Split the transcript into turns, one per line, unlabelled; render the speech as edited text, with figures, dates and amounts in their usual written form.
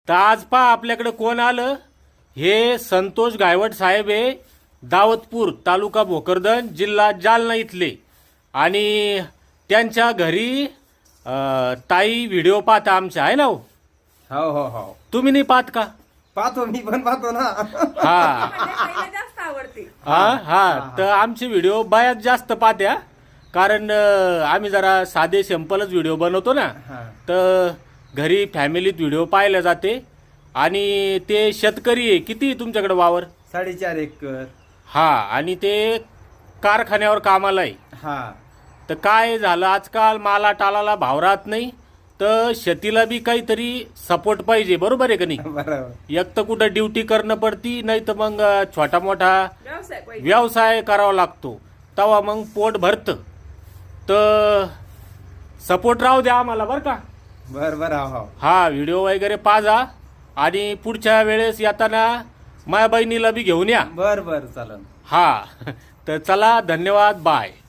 तर आज पहा आपल्याकडे कोण आलं. हे संतोष गायवट साहेब आहे, दावतपूर तालुका भोकरदन जिल्हा जालना इथले. आणि त्यांच्या घरी ताई व्हिडिओ पाहता आमच्या, आहे ना हो?
हो हो हो
तुम्ही नाही पाहत का?
पाहतो, मी पण पाहतो ना.
हा
जास्त आवडते.
हा तर आमचे व्हिडिओ बायाच जास्त पाहत्या, कारण आम्ही जरा साधे सिंपलच व्हिडिओ बनवतो ना.
हा.
तर घरी फॅमिलीत व्हिडिओ पाहिले जाते. आणि ते शेतकरी आहे. किती आहे तुमच्याकडे वावर?
4.5 एकर.
हा, आणि ते कारखान्यावर कामाला आहे.
हा
तर काय झालं, आजकाल माला टालाला भाव राहत नाही, तर शेतीला बी काहीतरी सपोर्ट पाहिजे, बरोबर आहे का नाही?
बरोबर.
एक तर कुठं ड्युटी करणं पडती, नाही तर मग छोटा मोठा
व्यवसाय पाहिजे.
व्यवसाय करावा लागतो, तेव्हा मग पोट भरतं. तर सपोर्ट राहू द्या आम्हाला, बरं का?
बर हो.
हा व्हिडिओ वगैरे पाजा, आणि पुढच्या वेळेस येताना माझ्या बहिणीला बी घेऊन या.
बर चालन.
हा तर चला, धन्यवाद, बाय.